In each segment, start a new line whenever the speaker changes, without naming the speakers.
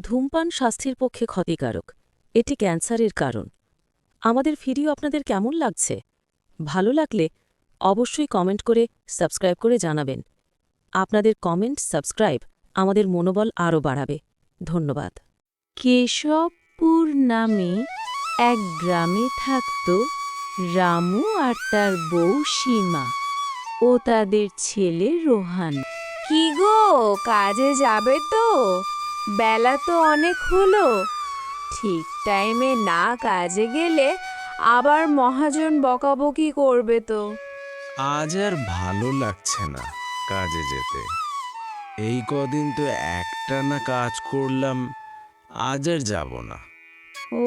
ধূমপান স্বাস্থ্যের পক্ষে ক্ষতিকারক। এটি ক্যান্সারের কারণ। আমাদের ভিডিও আপনাদের কেমন লাগছে? ভালো লাগলে অবশ্যই কমেন্ট করে সাবস্ক্রাইব করে জানাবেন। আপনাদের কমেন্ট, সাবস্ক্রাইব আমাদের মনোবল আরও বাড়াবে। ধন্যবাদ। কেশবপুর নামে এক গ্রামে থাকত রামু আর তার বউ সীমা ও তাদের ছেলে রোহান।
কি গো, কাজে যাবে তো? বেলা তো অনেক হলো। ঠিক টাইমে না কাজে গেলে আবার মহাজন বকাবকি করবে তো।
আজ আর ভালো লাগছে না কাজে যেতে। এই কদিন তো একটানা কাজ করলাম, আজ আর যাব না।
ও,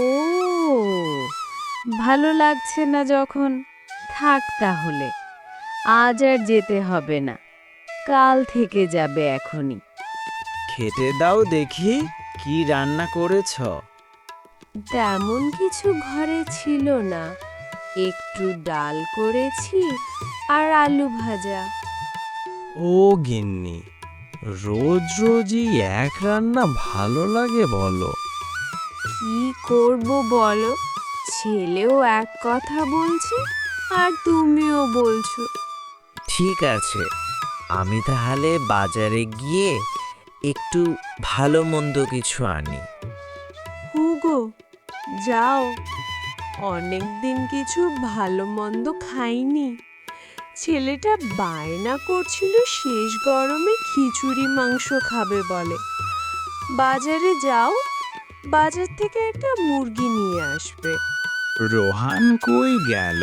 ভালো লাগছে না যখন, থাক তাহলে। আজ আর যেতে হবে না, কাল থেকে যাবে এখনই।
খেতে দাও দেখি, কি রান্না করেছ?
তেমন কিছু ঘরে ছিল না, একটু ডাল করেছি আর আলু ভাজা।
ও গিন্নি, রোজ রোজই এক রান্না ভালো লাগে বলো?
কি করব বলো, ছেলেও এক কথা বলছে আর তুমিও বলছো।
ঠিক আছে, আমি তাহলে বাজারে গিয়ে একটু ভালো মন্দ কিছু আনি।
হুগো, যাও, অনেক দিন কিছু ভালো মন্দ খাইনি। ছেলেটা বায়না করছিল শেষ গরমে খিচুড়ি মাংস খাবে বলে। বাজারে যাও, বাজার থেকে একটা মুরগি নিয়ে আসবে।
রোহান কই গেল?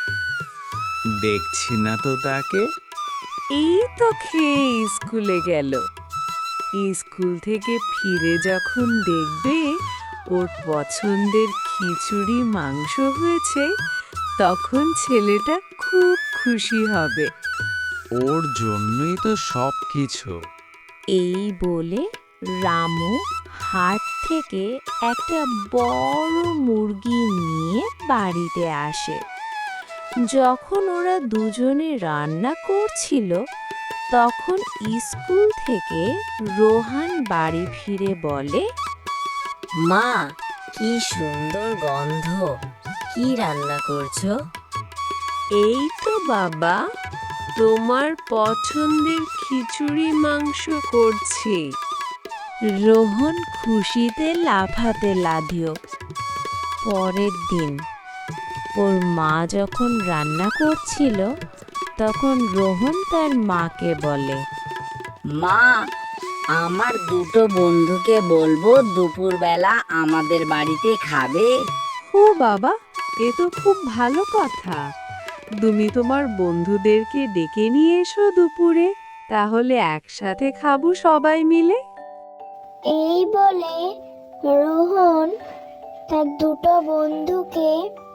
দেখছি না তো তাকে।
এই তো খেয়ে স্কুলে গেল। স্কুল থেকে ফিরে যখন দেখবে ওর পছন্দের খিচুড়ি মাংস হয়েছে, তখন ছেলেটা খুব খুশি হবে।
ওর জন্যই তো সব কিছু।
এই বলে রামু হাট থেকে একটা বড় মুরগি নিয়ে বাড়িতে আসে। যখন ওরা দুজনে রান্না করছিল, তখন স্কুল থেকে রোহান বাড়ি ফিরে বলে,
মা, কি সুন্দর গন্ধ! কি রান্না করছো?
এই তো বাবা, তোমার পছন্দের খিচুড়ি মাংস করছি। রোহন খুশিতে লাফাতে লাগলো। পরের দিন ওর মা যখন রান্না করছিল, তখন রোহন তার মাকে বলে,
মা, আমার দুটো বন্ধুকে বলবো দুপুরবেলা আমাদের বাড়িতে খাবে।
ও বাবা, এ তো খুব ভালো কথা। তুমি তোমার বন্ধুদেরকে ডেকে নিয়ে এসো দুপুরে, তাহলে একসাথে খাবো সবাই মিলে।
এই বলে রোহন তার দুটো বন্ধুকে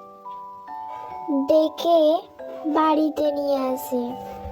ডেকে বাড়িতে নিয়ে আসে।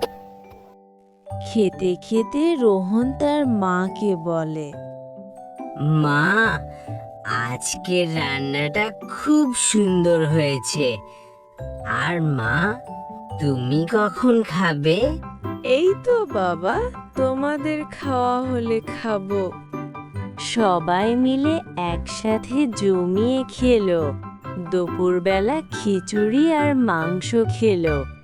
খেতে খেতে রোহন তার মাকে বলে,
মা, আজকের রান্নাটা খুব সুন্দর হয়েছে। আর মা, তুমি কখন খাবে?
এই তো বাবা, তোমাদের খাওয়া হলে খাবো। সবাই মিলে একসাথে জমিয়ে খেলো। দুপুরবেলা খিচুড়ি আর মাংস খেলো।